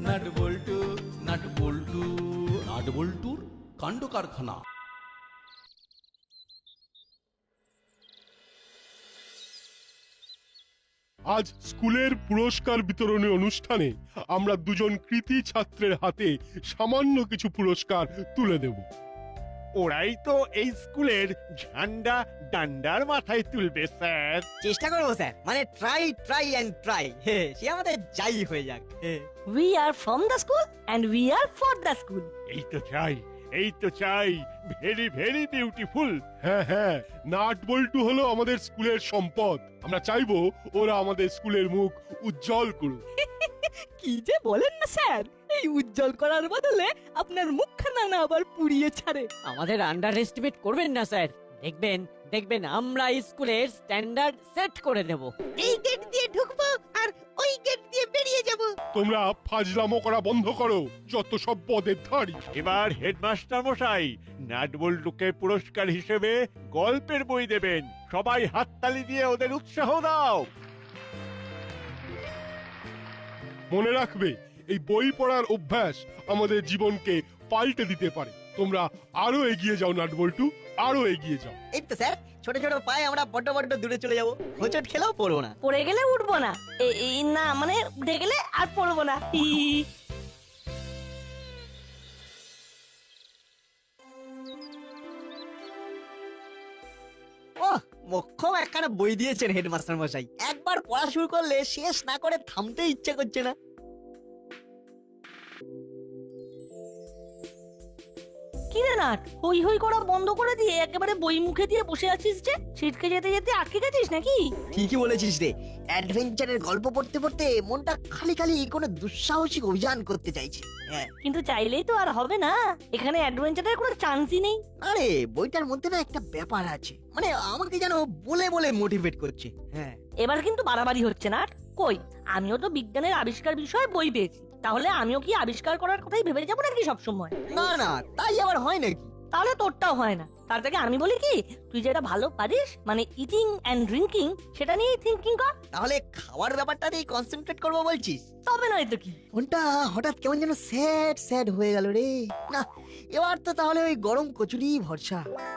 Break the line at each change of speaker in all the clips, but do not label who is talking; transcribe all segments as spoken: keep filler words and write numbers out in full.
Nut Boltu nut Boltu nut বল্টুর কাণ্ড কারখানা।
আজ স্কুলের পুরস্কার বিতরণী অনুষ্ঠানে আমরা দুজন কৃতী ছাত্রের হাতে সামান্য কিছু পুরস্কার তুলে দেব।
ওরাই তো এই স্কুলের ঝান্ডা ডান্ডার মাথায় তুলবে স্যার।
চেষ্টা করবো স্যার, মানে ট্রাই ট্রাই এন্ড ট্রাই, সে আমাদের যাই হয়ে যাক।
We are from the school and we are for the school.
এই তো চাই, এই তো চাই, ভেরি ভেরি বিউটিফুল।
হ্যাঁ হ্যাঁ, নাট বল্টু হলো আমাদের স্কুলের সম্পদ। আমরা চাইবো ওরা আমাদের স্কুলের মুখ উজ্জ্বল করুক।
কি যে বলেন না স্যার, এই উজ্জ্বল করার বদলে আপনার মুখখানা না আবার পুড়িয়ে ছাড়ে।
আমাদের আন্ডার এস্টিমেট করবেন না স্যার, দেখবেন দেখবেন আমরা স্কুলের স্ট্যান্ডার্ড সেট করে দেব।
এই গেট দিয়ে ঢুকবো আর ওই গেট দিয়ে বেরিয়ে যাব।
তোমরা ফাজলামো করা বন্ধ করো, যত সব পদের ধারী।
এবার হেডমাস্টার মশাই নাটবল্টুকে পুরস্কার হিসেবে গল্পের বই দেবেন। সবাই হাততালি দিয়ে ওদের উৎসাহ দাও।
মনে রাখবে, এই বই পড়ার অভ্যাস আমাদের জীবনকে পাল্টে দিতে পারে। তোমরা আরো এগিয়ে যাও নাট বল্টু, আরো এগিয়ে যাও।
এই তো স্যার, ছোট ছোট পায়ে আমরা বড্ড বড্ড দূরে চলে যাবো, হোঁচট খেলেও পড়বো না।
পড়ে গেলে উঠবো না, এ- এই না মানে উঠে গেলে আর পড়বো না। হি।
ওহ, মোক্ষম একখানা বই দিয়েছেন হেডমাস্টার মশাই। একবার পড়া শুরু করলে শেষ না করে থামতে ইচ্ছে করছে না।
কি রে নাট, হই হই করা বন্ধ করে দিয়ে একেবারে বই মুখে দিয়ে বসে আছিস যে? ছিটকে যেতে যেতে আটকে গেছিস নাকি?
ঠিকই বলেছিস রে, অ্যাডভেঞ্চারের গল্প পড়তে পড়তে মনটা খালি খালি কোনো দুঃসাহসিক অভিযান করতে চাইছে। হ্যাঁ,
কিন্তু চাইলেই তো আর হবে না, এখানে অ্যাডভেঞ্চারের কোনো চান্সই নেই।
আরে বইটার মধ্যে না একটা ব্যাপার আছে, মানে আমাকে যেন বলে বলে মোটিভেট করছে। হ্যাঁ,
এবার কিন্তু বাড়াবাড়ি হচ্ছে না। কই, আমিও তো বিজ্ঞানের আবিষ্কার বিষয়ে বই পেয়েছি, তাহলে আমিও কি আবিষ্কার করার কথাই ভেবে যাবো নাকি সবসময়?
না না, তাই আবার হয় নাকি?
তাহলে তোরটাও হয় না। তার থেকে আমি বলি কি, তুই যেটা ভালো পারিস মানে ইটিং এন্ড ড্রিঙ্কিং, সেটা নিয়েই থিঙ্কিং কর।
তাহলে খাওয়ার ব্যাপারটাতেই কনসেন্ট্রেট করবো বলছিস?
তবে নয় তো কি।
মনটা হঠাৎ কেমন যেন স্যাড স্যাড হয়ে গেল রে। না, এবার তো তাহলে ওই গরম কচুরি ভরসা।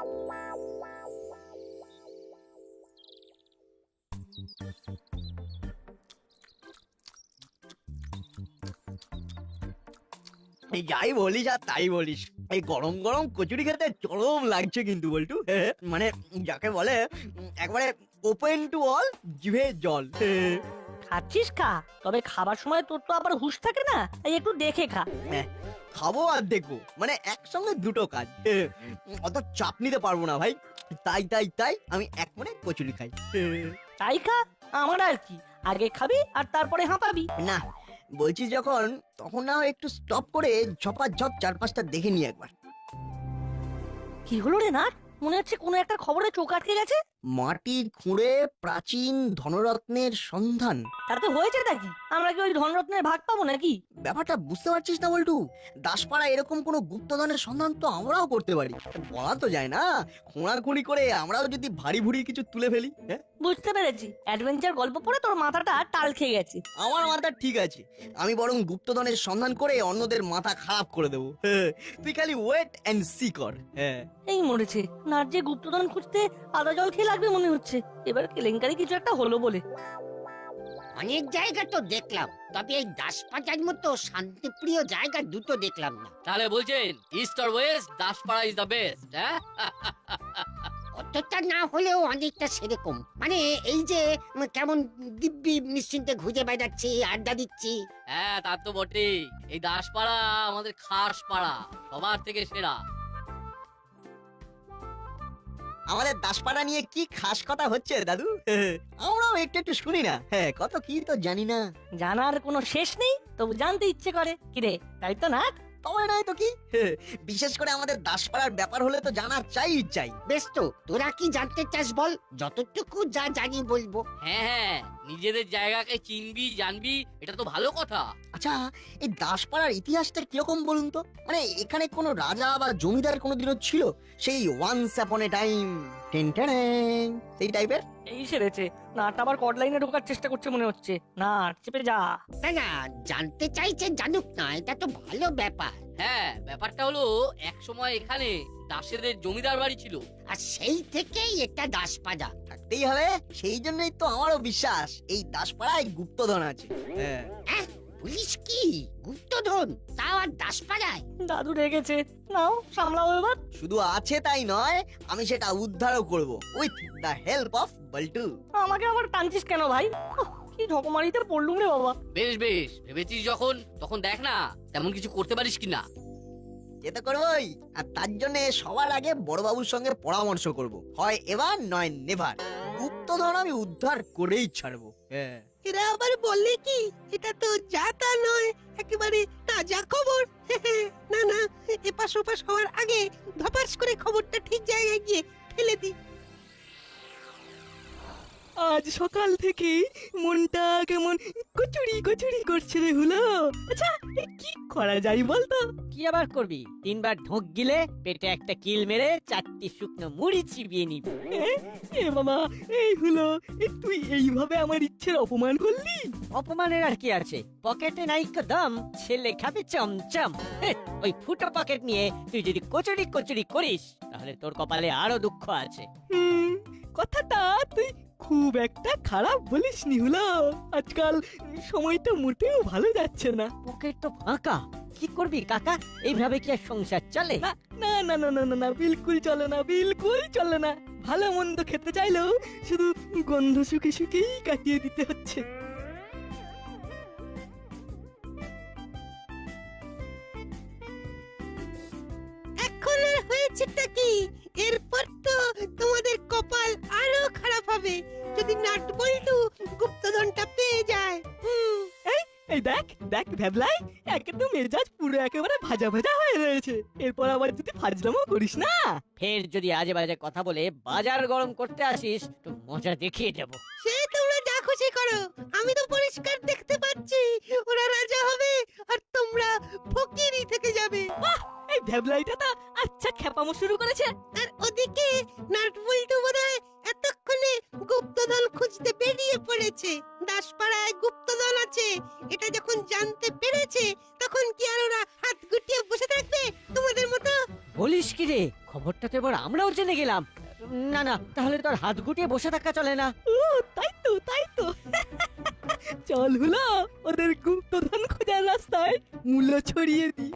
এই যাই বলিস আর তাই বলিস, এই গরম গরম কচুরি খেতে চরম লাগছে কিন্তু বল্টু। মানে যাকে বলে উম, একবারে ওপেন টু অল, জিভে জল।
খাচ্ছিস খা, তবে খাবার সময় তোর তো আবার হুঁশ থাকে না, তাই একটু দেখে খা।
হ্যাঁ, খাবো আর দেখবো, মানে একসঙ্গে দুটো কাজ। অত চাপ নিতে পারবো না ভাই, তাই তাই তাই আমি এক মনে কচুরি খাই।
তাই খা, আমার আর কি, আগে খাবি আর তারপরে হাঁপাবি।
না, বলছিস যখন, তখন না হয় একটু স্টপ করে ঝপাঝপ চার পাঁচটা দেখে নি একবার।
কি হলো রে নাট, মনে হচ্ছে কোনো একটা খবরে চোখ আটকে গেছে।
মাটির খুঁড়ে প্রাচীন ধনরত্নের সন্ধান।
তাতে হয়েছে নাকি? আমরা কি ওই ধনরত্নের ভাগ পাবো নাকি?
ব্যাপারটা বুঝতে পারছিস না বল্টু? দাসপাড়া এরকম কোনো গুপ্তধনের সন্ধান তো আমরাও করতে পারি। বলা তো যায় না, খোঁড়াখুঁড়ি করে আমরাও যদি ভারী ভুড়ি কিছু তুলে ফেলি। হ্যাঁ,
বুঝতে পেরেছি, অ্যাডভেঞ্চার গল্প পড়ে তোর মাথাটা টাল খেয়ে গেছে।
আমার মাথা ঠিক আছে, আমি বরং গুপ্তধনের সন্ধান করে অন্যদের মাথা খারাপ করে দেবো। হ্যাঁ, তুই খালি ওয়েট এন্ড সি কর। হ্যাঁ,
এই মরেছে, নাট যে গুপ্তধন খুঁজতে আদা জল খেয়ে লাগবে মনে হচ্ছে। এবার কেলেঙ্কারি কিছু একটা হলো বলে।
অনেক জায়গা তো দেখলাম, তবে এই দাসপাড়ার মতো শান্তিপ্রিয় জায়গা দুটো দেখলাম না।
তাহলে বলছেন ইস্ট আর west, Daspara is the best. হ্যাঁ,
অতটা না হলেও অনেকটা সেরকম, মানে এই যে উম, কেমন দিব্যি নিশ্চিন্তে ঘুরে বেড়াচ্ছি, আড্ডা দিচ্ছি।
হ্যাঁ তা তো বটেই। এই দাসপাড়া আমাদের খাস পাড়া, সবার থেকে সেরা।
আমাদের দাসপাড়া নিয়ে কি খাস কথা হচ্ছে দাদু? আমরাও একটু একটু শুনি না। হ্যাঁ, কত কি তো জানি না।
জানার কোনো শেষ নেই, তবু জানতে ইচ্ছে করে। কিরে, তাই তো নাট?
তবে নাই তো কি, বিশেষ করে আমাদের দাসপাড়ার ব্যাপার হলে তো জানার চাই চাই।
বেশ তো, তোরা কি জানতে চাস বল, যতটুকু যা জানি বলবো।
হ্যাঁ হ্যাঁ,
নিজেদের জায়গাকে চিনবি জানবি, এটা তো ভালো কথা।
আচ্ছা, এই দাসপাড়ার ইতিহাসটা কিরকম বলুন তো? মানে এখানে কোনো রাজা বা জমিদার কোনোদিনও ছিল? সেই once upon a time, ten ten, সেই টাইপের?
এই সেরেছে, নাট আবার কড লাইনে ঢোকার চেষ্টা করছে মনে হচ্ছে। না চেপে যা।
না না, জানতে চাইছে জানুক না, এটা তো ভালো ব্যাপার।
হ্যাঁ, ব্যাপারটা হলো এক সময় এখানে দাসেদের জমিদার বাড়ি ছিল।
আর সেই থেকেই এটা দাসপাড়া।
থাকতেই হবে, সেই জন্যই তো আমারও বিশ্বাস এই দাসপাড়ায় গুপ্তধন আছে। হ্যাঁ,
হ্যাঁ, পুলিশ কি গুপ্তধন, তাও আর দাসপাড়ায়?
দাদু রেগেছে, নাও সামলাও এবার।
শুধু আছে তাই নয়, আমি সেটা উদ্ধারও করব with the help of Boltu.
আমাকে আবার টানছিস কেন ভাই? উহ, কি ঢকমারিতে পড়লুম রে বাবা।
বেশ বেশ, ভেবেছিস যখন তখন দেখ না তেমন কিছু করতে পারিস কিনা।
যেতে করবই, আর তার জন্য সবার আগে বড়বাবুর সঙ্গে পরামর্শ করব। হয় এবার নয় নেভার, গুপ্তধন আমি উদ্ধার করেই ছাড়বো। হ্যাঁ,
এরা আবার বললে কি এটা তো যা তা নয়, একেবারে তাজা খবর। না না, এপাশ ওপাশ হওয়ার আগে ধপাস করে খবরটা ঠিক জায়গায় গিয়ে ফেলে দি। আজ সকাল থেকে মনটা কেমন কচুরি কচুরি করছে রে হলো। আচ্ছা, এ কি করা যায় বলতো?
কি আবার করবি? তিনবার ঢোক গিলে পেটে একটা কিল মেরে চারটি শুকনো মুড়ি চিবিয়ে নিবি।
এ বাবা, এই হলো, এ তুই এইভাবে আমার ইচ্ছের অপমান করলি।
অপমানের আর কি আছে? পকেটে নাই কদম, ছেলে খাবে চমচম। হেহ, ওই ফুটো পকেট নিয়ে তুই যদি কচুরি কচুরি করিস তাহলে তোর কপালে আরো দুঃখ আছে।
হুম, কথাটা তুই খুব একটা খারাপ বলিসনি হলো। আজকাল সময়টা মোটেও ভালো যাচ্ছে না।
পকেট তো ফাঁকা, কি করবি কাকা? এইভাবে কি আর সংসার চলে?
না না না না না না না, বিলকুল চলে না, বিলকুল চলে না। ভালো মন্দ খেতে চাইলেও শুধু গন্ধ শুকে শুকেই কাটিয়ে দিতে হচ্ছে। এখন আর হয়েছেটা কি? এরপর তো তোমাদের কপাল আরো খারাপ হবে যদি নাট বল্টু গুপ্তধনটা পেয়ে যায়। হুম, এই এই দেখ দেখ ভ্যাবলাই, একদম মেজাজ পুরো একেবারে ভাজা ভাজা হয়ে রয়েছে। এরপর আবার যদি ফাজলামো করিস না।
ফের যদি আজে বাজে কথা বলে বাজার গরম করতে আসিস তো মজা দেখিয়ে দেব।
সে তোমরা যা খুশি করো, আমি তো পরিষ্কার দেখতে পাচ্ছি ওরা রাজা হবে আর তোমরা ফকিরই থেকে যাবে। বাহ, এই ভ্যাবলাইটা তো আচ্ছা খেপামো শুরু করেছে। আর ওদিকে নাটবল্টু বোধহয় এতক্ষণে গুপ্তধন খুঁজতে বেরিয়ে পড়েছে। দাসপাড়ায় গুপ্তধন আছে এটা যখন জানতে পেরেছে, তখন কি আর ওরা হাত গুটিয়ে বসে থাকবে তোমাদের মতো?
বলিস কি রে, খবরটা তো এবার আমরাও জেনে গেলাম। না না, তাহলে তোর হাত গুটিয়ে বসে থাকা চলে না।
ও তাই তো, তাই তো। চল হলো, ওদের গুপ্তধন খোঁজার রাস্তায় মূল্য ছড়িয়ে দি।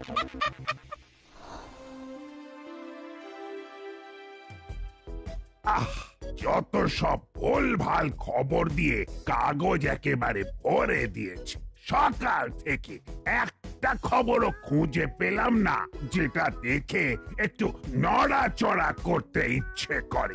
আহ, যত সব ভুল ভাল খবর দিয়ে কাগজ একেবারে ভরে দিয়েছে। সকাল থেকে একটা খবরও খুঁজে পেলাম না যেটা দেখে একটু নড়াচড়া করতে ইচ্ছে করে।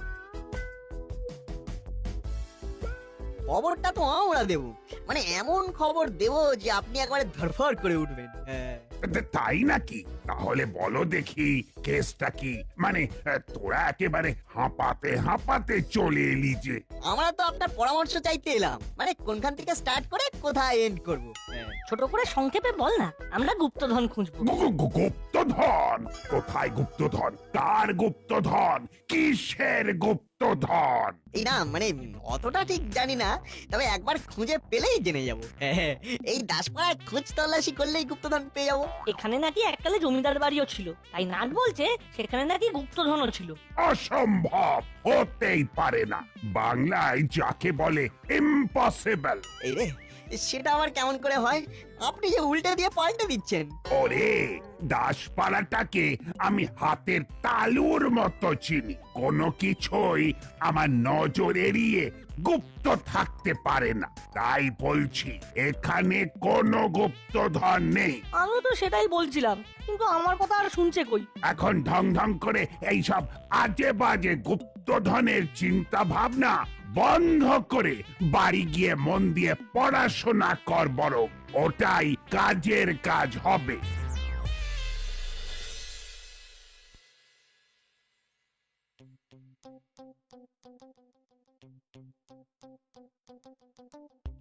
খবরটা তো আমরা দেব, মানে এমন খবর দেব যে আপনি একবারে ধরফড় করে উঠবেন। হ্যাঁ,
তা- তাই নাকি? তাহলে বলো দেখি কেসটা কি? মানে আহ, তোরা একেবারে হাঁপাতে হাঁপাতে চলে এলি যে।
আমরা তো আপনার পরামর্শ চাইতে এলাম, মানে কোনখান থেকে স্টার্ট করে কোথায় এন্ড করব। হ্যাঁ,
ছোট করে সংক্ষেপে বল না, আমরা গুপ্তধন খুঁজবো।
গু- গু- গু- গুপ্তধন? কোথায় গুপ্তধন? কার গুপ্তধন? কিসের গুপ্তধন?
এই না মানে অতটা ঠিক জানি না, তবে একবার খুঁজে পেলেই জেনে যাব। হ্যাঁ, এই দাসপাড়ায় খোঁজ তল্লাশি করলেই গুপ্তধন পেয়ে যাবো।
এখানে নাকি এককালে জমিদার বাড়িও ছিল, তাই নাট বলছে সেখানে নাকি গুপ্তধনও ছিল।
অসম্ভব, হতেই পারে না। বাংলায় যাকে বলে ইম্পসিবল।
এই রে, সেটা আবার কেমন করে হয়? আপনি যে উল্টে দিয়ে পাল্টে দিচ্ছেন।
ওরে, দাসপাড়াটাকে আমি হাতের তালুর মতো চিনি। কোনো কিছুই আমার নজর এড়িয়ে গুপ্ত থাকতে পারে না। তাই বলছি এখানে কোনো গুপ্তধন নেই।
আমিও তো সেটাই বলছিলাম, কিন্তু আমার কথা আর শুনছে কই?
এখন ঢং ঢং করে এইসব আজে বাজে গুপ্তধনের চিন্তা ভাবনা বন্ধ করে বাড়ি গিয়ে মন দিয়ে পড়াশোনা কর বরং, ওটাই কাজের কাজ হবে।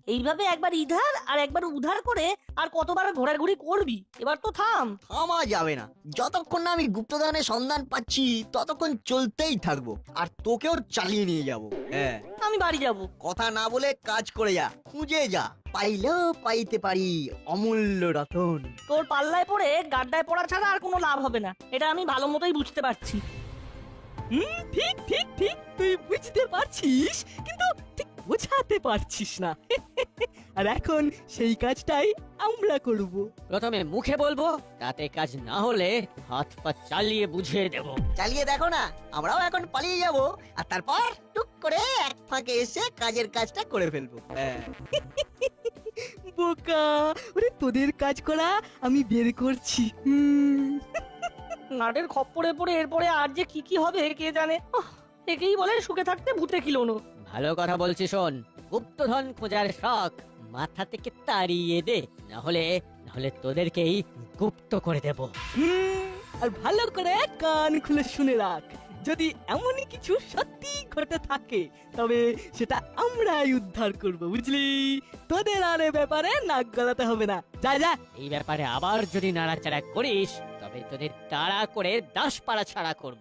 এইভাবে একবার ইধার আর একবার উধার করে আর কতবার ঘোরাঘুরি করবি? এবার তো থাম।
থামা যাবে না, যতক্ষণ না আমি গুপ্তধনের সন্ধান পাচ্ছি ততক্ষণ চলতেই থাকবো, আর তোকেও চালিয়ে নিয়ে যাব। হ্যাঁ,
আমি বাড়ি যাব।
কথা না বলে কাজ করে যা, খুঁজে যা, পাইলেও পাইতে পারি অমূল্য রতন।
তোর পাল্লায় পড়ে গাড্ডায় পড়া ছাড়া আর কোনো লাভ হবে না, এটা আমি ভালো মতোই বুঝতে পারছি।
হুম, ঠিক ঠিক ঠিক, তুই বুঝতে পারছিস কিন্তু ঠিক বোঝাতে পারছিস না। আর এখন সেই কাজটাই আমরা করব।
প্রথমে মুখে বলবো, তাতে কাজ না হলে হাত পা চালিয়ে বুঝিয়ে দেব।
চালিয়ে দেখো না, আমরাও এখন পালিয়ে যাব, আর তারপর টুক করে এক ফাঁকে এসে কাজের কাজটা করে ফেলবো। হ্যাঁ,
বোকা, ওরে তোদের কাজ করা আমি বের করছি। হুম,
নাটের খপ্পরে পড়ে এরপরে আর যে কি কি হবে কে জানে। উফ, একেই বলে সুখে থাকতে ভূতে কিলোনো।
ভালো কথা বলছি শোন, গুপ্তধন খোঁজার শখ মাথা থেকে তাড়িয়ে দে, না হলে না হলে তোদেরকেই গুপ্ত করে দেব।
হুম, আর ভালো করে কান খুলে শুনে রাখ, যদি এমনই কিছু সত্যি ঘটে থাকে তবে সেটা আমরাই উদ্ধার করব, বুঝলি? তোদের আর এ ব্যাপারে নাক গলাতে হবে না। যা যা।
এই ব্যাপারে আবার যদি নাড়াচাড়া করিস তবে তোদের তাড়া করে দাসপাড়া ছাড়া করব।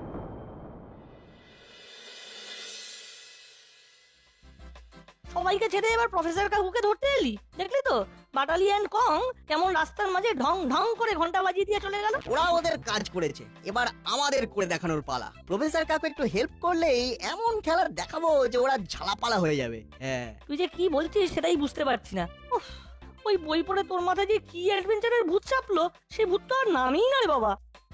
সবাইকে ছেড়ে এবার প্রফেসর কাকুকে ধরতে এলি, দেখলি তো বাটালিয়ান কং কেমন রাস্তার মাঝে ঢং ঢং করে ঘন্টা বাজিয়ে দিয়ে চলে গেল।
ওরা ওদের কাজ করেছে, এবার আমাদের করে দেখানোর পালা। প্রফেসর কাকু একটু হেল্প করলেই এমন খেলার দেখাবো যে ওরা ঝালাপালা হয়ে যাবে। হ্যাঁ,
তুই যে কি বলছিস সেটাই বুঝতে পারছি না। উফ, ওই বই পড়ে তোর মাথায় যে কি অ্যাডভেঞ্চারের ভূত চাপলো, সে ভূত তো আর নামই না রে বাবা।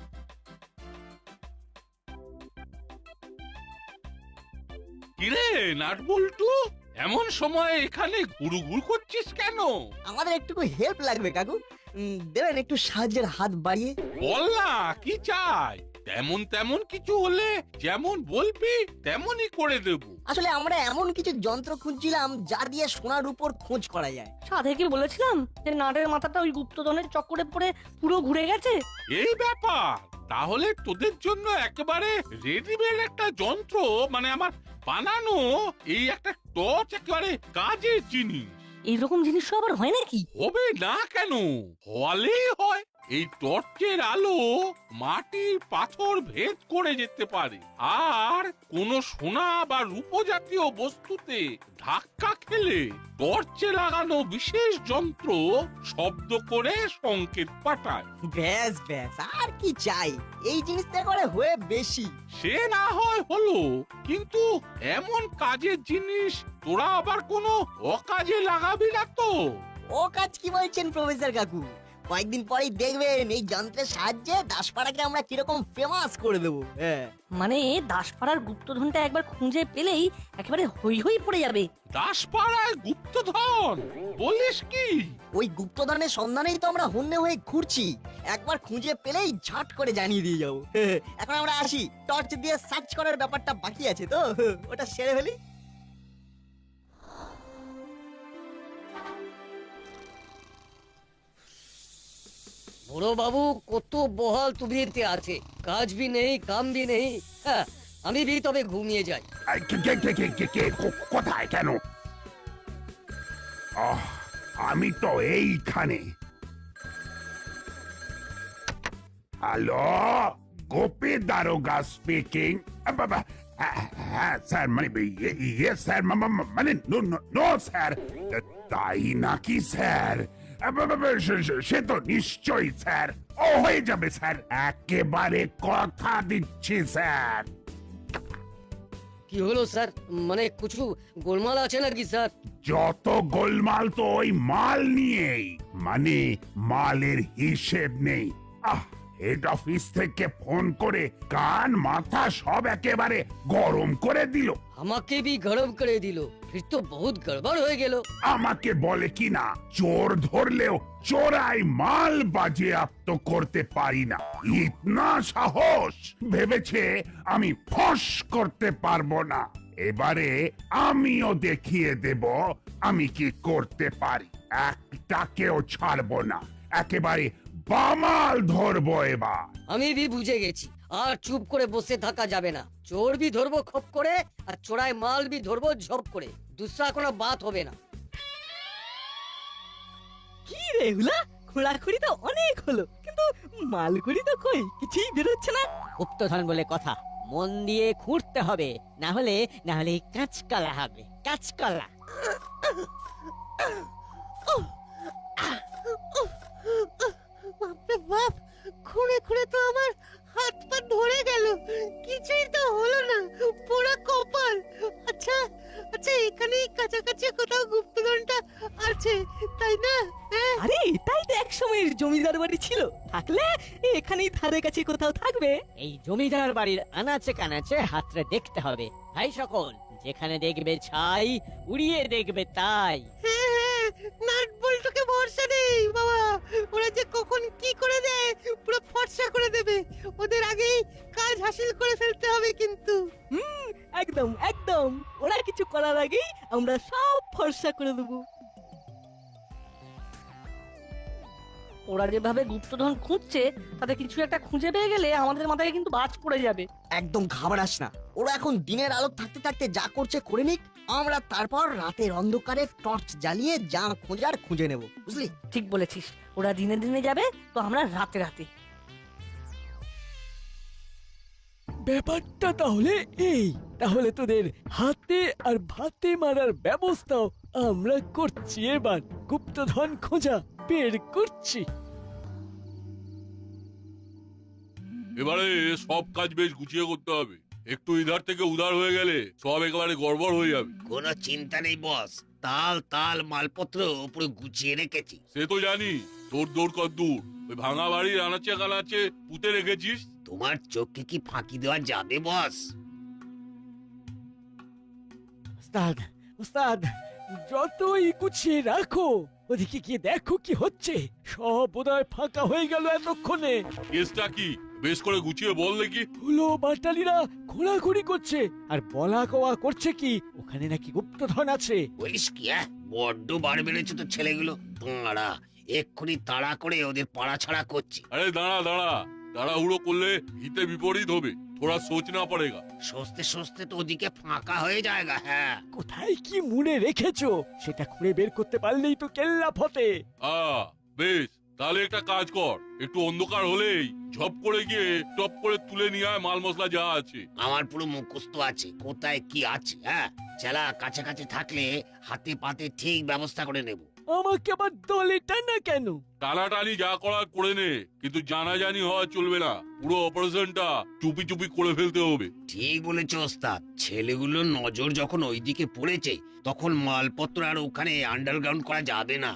কিরে নাটবল্টু, এমন সময় এখানে ঘুরুঘুর করছিস কেন?
আমাদের একটু হেল্প লাগবে কাকু, উম, দেবেন একটু সাহায্যের হাত বাড়িয়ে?
বল না কি চাই, তেমন তেমন কিছু হলে যেমন বলবি তেমনই করে দেব।
আসলে আমরা এমন কিছু যন্ত্র খুঁজছিলাম যা দিয়ে সোনার উপর খোঁজ করা যায়।
সাধে কি বলেছিলাম যে নাটের মাথাটা ওই গুপ্তধনের চক্করে পড়ে পুরো ঘুরে গেছে।
এই ব্যাপার, তাহলে তোদের জন্য একেবারে রেডিমেড একটা যন্ত্র, মানে আমার বানানো এই একটা টর্চ একেবারে কাজের জিনিস।
এইরকম জিনিস আবার হয় নাকি?
হবে না কেন, হলেই হয়। এই টর্চের আলো মাটির পাথর ভেদ করে যেতে পারে, আর কোন সোনা বা রূপো জাতীয় বস্তুতে ধাক্কা খেলে টর্চে লাগানো বিশেষ যন্ত্র শব্দ করে সংকেত পাঠায়।
ব্যাস ব্যাস, আর কি চাই? এই জিনিসটা করে হয়ে বেশি।
সে না হয় হলো, কিন্তু এমন কাজের জিনিস তোরা আবার কোনো অকাজে লাগাবি না তো?
ও কাজ কি বলছেন প্রফেসর কাকু? কয়েকদিন পরেই দেখবেন এই যন্ত্রের সাহায্যে দাসপাড়াকে আমরা কিরকম ফেমাস করে দেবো। হ্যাঁ,
মানে দাসপাড়ার গুপ্তধনটা একবার খুঁজে পেলেই একেবারে হই হই পড়ে যাবে।
দাসপাড়ায় গুপ্তধন বলিস কি?
ওই গুপ্তধনের সন্ধানেই তো আমরা হন্যে হয়ে ঘুরছি, একবার খুঁজে পেলেই ঝট করে জানিয়ে দিয়ে যাবো। এখন আমরা আসি, টর্চ দিয়ে সার্চ করার ব্যাপারটা বাকি আছে তো, ওটা সেরে ফেলি।
বড় বাবু কত বহাল তুবিরতে আছে, কাজ ভি নেই কাম ভি নেই। হ্যাঁ, আমি ভি তবে ঘুমিয়ে যাই।
এই, কে কে কে কে কে কে কো- কোথায় কেন? আহ, আমি তো এইখানে। হ্যালো, গোপী দারোগা স্পিকিং। হ্যাঁ স্যার, মানে ইয়ে স্যার, মানে নো নো স্যার। তাই নাকি স্যার? সে তো নিশ্চয়ই স্যার, ও হয়ে যাবে স্যার, একেবারে কথা দিচ্ছি স্যার।
কি হলো স্যার, মানে কিছু গোলমাল আছে নাকি স্যার?
যত গোলমাল তো ওই মাল নিয়েই, মানে মালের হিসেব নেই। আহ, হেড অফিস থেকে ফোন করে কান মাথা সব একেবারে গরম করে দিল।
আমাকে ভি গরম করে দিল, ফির তো বহুত গড়বড় হয়ে গেল।
আমাকে বলে কিনা চোর ধরলেও চোরাই মাল বাজেয়াপ্ত করতে পারি না, ইতনা সাহস! ভেবেছে আমি ফস করতে পারবো না। এবারে আমিও দেখিয়ে দেব আমি কি করতে পারি, একটাকেও ছাড়বো না, একেবারে বামাল ধরবো এবার।
আমি ভি বুঝে গেছি, আর চুপ করে বসে থাকা যাবে না। চোর ভি ধরবো খপ করে, আর চোরাই মাল ভি ধরবো ঝপ করে, দুসরা কোনো বাত হবে না।
কি রে হুলা, খোঁড়াখুড়ি তো অনেক হলো, কিন্তু মালগুড়ি তো কই কিছুই বেরোচ্ছে না।
গুপ্তধন বলে কথা, মন দিয়ে খুঁড়তে হবে, না হলে না হলে কাঁচকলা হবে, কাঁচকলা।
বাপরে বাপ, খুঁড়ে খুঁড়ে তো আমার হাত পা ধরে গেল, কিছুই তো হলো না, পুরো কপাল। আচ্ছা আচ্ছা, এখানেই কাছাকাছি কোথাও গুপ্তধনটা আছে, তাই না? আরে তাই তো এক সময়ের জমিদার বাড়ি ছিল, থাকলে এখানেই ধারে কাছে কোথাও থাকবে।
এই জমিদার বাড়ির আনাচে কানাচে হাতটা দেখতে হবে ভাই সকল, যেখানে দেখবে ছাই উড়িয়ে দেখবে তাই।
হ্যাঁ হ্যাঁ, নাট বল্টুকে ভরসা নেই বাবা, ওরা যে কখন কি করে দেয় পুরো ফর্সা করে দেবে, ওদের আগেই কাজ হাসিল করে ফেলতে হবে কিন্তু। হুম, একদম একদম, ওরা কিছু করার আগেই আমরা সব ফর্সা করে দেবো।
ওরা যেভাবে গুপ্তধন খুঁজছে তাতে কিছু একটা খুঁজে পেয়ে গেলে আমাদের মাথায় কিন্তু বাজ পড়ে যাবে।
একদম ঘাবড়াস না, ওরা এখন দিনের আলো থাকতে থাকতে যা করছে করে নিক, আমরা তারপর রাতের অন্ধকারে টর্চ জ্বালিয়ে যা খোঁজার খুঁজে নেব, বুঝলি?
ঠিক বলেছিস, ওরা দিনে দিনে যাবে তো আমরা রাতে রাতে।
ব্যাপারটা তাহলে এই, তাহলে তোদের হাতে আর ভাতে মারার ব্যবস্থাও আমরা করছি, এবার গুপ্তধন খোঁজা বের করছি।
এবারে সব কাজ বেশ গুছিয়ে করতে হবে, একটু ইধার থেকে উধার হয়ে গেলে সব একেবারে গড়বড় হয়ে যাবে।
কোনো চিন্তা নেই বস, তাল তাল মালপত্র পুরো গুছিয়ে রেখেছি।
সে তো জানি, তোর দৌড় কর দূর, ওই ভাঙা বাড়ির আনাচে কানাচে পুঁতে রেখেছিস।
তোমার চোখে কি ফাঁকি দেওয়া যাবে বস?
উস্তাদ উস্তাদ, যতই গুছিয়ে রাখো, ওদিকে গিয়ে দেখো কি হচ্ছে, সব বোধহয় ফাঁকা হয়ে গেল এতক্ষণে।
কেসটা কি বেশ করে গুছিয়ে বল দেখি।
হলো বাটালিরা ঘোরাঘুরি করছে আর বলা কওয়া করছে কি ওখানে নাকি গুপ্তধন আছে।
বলিস কি? হ্যাঁ, বড্ড বার বেড়েছে তো ছেলেগুলো। দাঁড়া, এক্ষুনি তাড়া করে ওদের পাড়া ছাড়া করছি।
আরে দাঁড়া দাঁড়া, তাড়াহুড়ো করলে হিতে বিপরীত হবে, থোড়া সোচ না পড়েগা।
সস্তে সস্তে তো ওদিকে ফাঁকা হয়ে যায়গা। হ্যাঁ,
কোথায় কি মুড়ে রেখেছো সেটা খুঁড়ে বের করতে পারলেই তো কেল্লা ফতে।
আ বেশ, তাহলে একটা কাজ কর, একটু অন্ধকার হলেই ঝপ করে গিয়ে টপ করে তুলে নিয়ে আয় মাল মশলা যা আছে।
আমার পুরো মুখস্থ আছে কোথায় কি আছে। হ্যাঁ, চেলা কাছাকাছি থাকলে হাতে পাতে ঠিক ব্যবস্থা করে নেব।
আমাকে আবার দলে টানা কেন?
টানাটানি যা করার করে নে, কিন্তু জানাজানি হওয়া চলবে না, পুরো অপারেশনটা চুপি চুপি করে ফেলতে হবে।
ঠিক বলেছ ওস্তাদ, ছেলেগুলোর নজর যখন ওইদিকে পড়েছে তখন মালপত্র আর ওখানে আন্ডারগ্রাউন্ড করা যাবে না।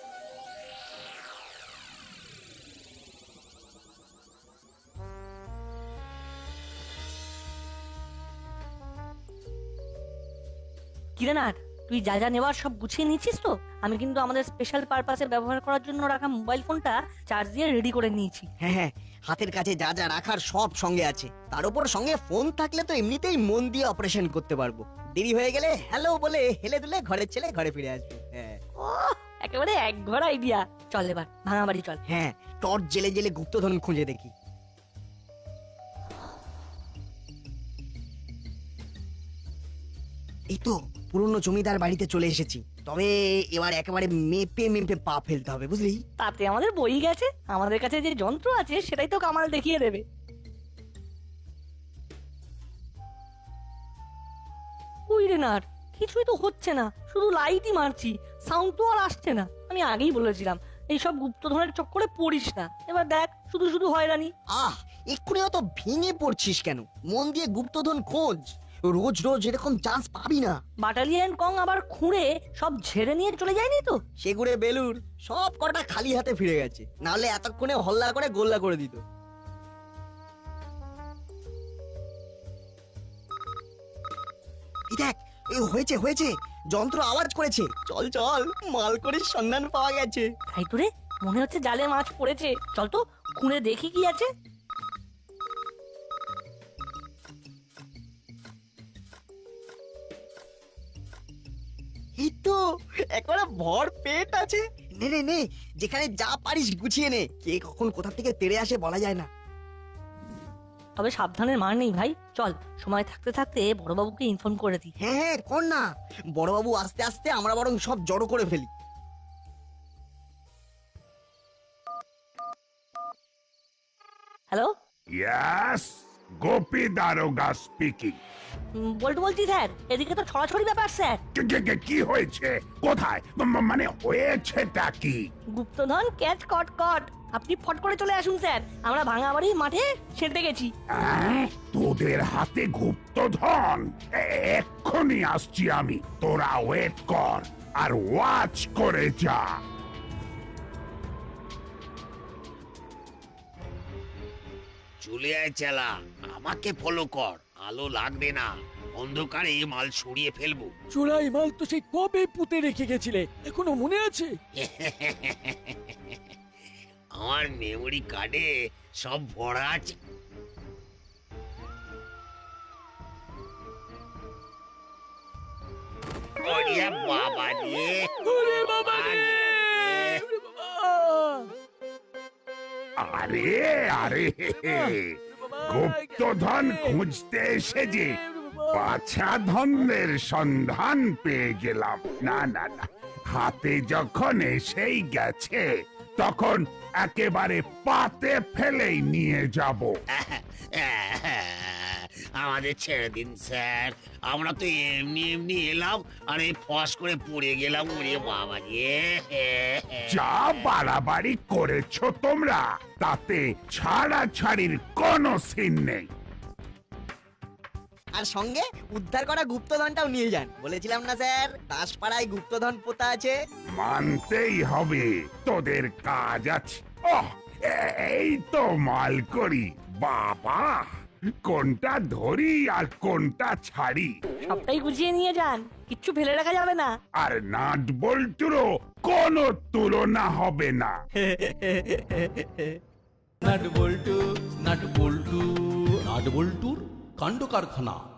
কিরে নাট, তুই যা যা নেওয়ার সব গুছিয়ে নিয়েছিস তো? আমি কিন্তু আমাদের স্পেশাল পারপাসে ব্যবহার করার জন্য রাখা মোবাইল ফোনটা চার্জ দিয়ে রেডি করে নিয়েছি।
হ্যাঁ হ্যাঁ, হাতের কাছে যা যা রাখার সব সঙ্গে আছে, তার উপর সঙ্গে ফোন থাকলে তো এমনিতেই মন দিয়ে অপারেশন করতে পারবো। দেরি হয়ে গেলে হ্যালো বলে হেলে দুলে ঘরের ছেলে ঘরে ফিরে আসবে। হ্যাঁ,
একেবারে এক ঘর আইডিয়া। চল এবার ভাঙা বাড়ি চল।
হ্যাঁ, টর্চ জেলে জেলে গুপ্তধন খুঁজে দেখি। এই তো পুরনো জমিদার বাড়িতে চলে এসেছি, তবে এবার একেবারে মেপে মেপে পা ফেলতে হবে, বুঝলি?
তাতে আমাদের বই গেছে, আমাদের কাছে যে যন্ত্র আছে সেটাই তো কামাল দেখিয়ে দেবে। ওই রে নাট, কিছুই তো হচ্ছে না, শুধু লাইটই মারছি, সাউন্ড তো আর আসছে না। আমি আগেই বলেছিলাম এইসব গুপ্তধনের চক্করে পড়িস না, এবার দেখ শুধু শুধু হয়রানি।
আহ, এক্ষুনি অত ভেঙে পড়ছিস কেন? মন দিয়ে গুপ্তধন খোঁজ, রোজ রোজ এরকম চান্স পাবি না।
বাটালিয়ান কং আবার খুঁড়ে সব ঝেড়ে নিয়ে চলে যায়নি তো?
সেগুড়ে বেলুর সব কটা খালি হাতে ফিরে গেছে, নাহলে এতক্ষণে হল্লা করে গোল্লা করে দিত। এই দেখ, এই হয়েছে হয়েছে, যন্ত্র আওয়াজ করেছে। চল চল, মাল করে সন্ধান পাওয়া গেছে।
তাই তো রে, মনে হচ্ছে জালে মাছ পড়েছে, চল তো খুঁড়ে দেখি কি আছে।
এই তো একবারে ভর পেট আছে। নে নে নে, যেখানে যা পারিস গুছিয়ে নে, কে কখন কোথা থেকে তেড়ে আসে বলা যায় না।
তবে সাবধানের মার নেই ভাই, চল সময় থাকতে থাকতে বড়বাবুকে ইনফর্ম করে দিই।
হ্যাঁ হ্যাঁ, কর না, বড়বাবু আস্তে আস্তে আমরা বরং সব জড়ো করে ফেলি।
হ্যালো
ইয়াস, গোপী দারোগা স্পিকিং।
বল্টু বলছি স্যার, এদিকে তো ছড়াছড়ি ব্যাপার স্যার।
কি হয়েছে? কোথায়? ম- মানে হয়েছেটা কি?
গুপ্তধন ক্যাচ কট কট, আপনি ফট করে চলে আসুন স্যার, আমরা ভাঙাবাড়ির মাঠে সেঁটে গেছি।
আহ, তোদের হাতে গুপ্তধন? এ- এক্ষুনি আসছি আমি, তোরা ওয়েট কর আর ওয়াচ করে যা।
চলে আয় চেলা, আমাকে ফলো কর। আলো লাগবে না, অন্ধকারে মাল সরিয়ে ফেলবো।
চোরাই মাল তো সেই কবে পুঁতে রেখে গেছিলে, এখনো মনে আছে?
আমার মেমোরি কার্ডে সব ভরা আছে। ওরে বাবা রে,
ওরে বাবা রে! ওরে বাবা!
আরে আরে, গুপ্তধন খুঁজতে এসে যে বাছা ধনের সন্ধান পেয়ে গেলাম। না না না, হাতে যখন এসেই গেছে তখন একেবারে পাতে ফেলেই নিয়ে যাব।
আমাদের ছেড়ে দিন স্যার, আমরা তো এমনি এমনি এলাম আর এই ফস করে পড়ে গেলাম। ওরে বাবা রে!
যা বাড়াবাড়ি করেছো তোমরা, তাতে ছাড়াছাড়ির কোনো সিন নেই।
আর সঙ্গে উদ্ধার করা গুপ্তধনটাও নিয়ে যান, বলেছিলাম না স্যার, দাসপাড়ায় গুপ্তধন পোতা আছে।
মানতেই হবে, তোদের কাজ আছে। ওহ, এই তো মাল করি। বাবা, কোনটা ধরি আর কোনটা ছাড়ি?
সবটাই গুছিয়ে নিয়ে যান, কিচ্ছু ফেলে রাখা যাবে না।
আর নাট বল্টুরও কোনো তুলনা হবে না।
Nut Boltu nut Boltu nut বল্টুর কাণ্ড কারখানা।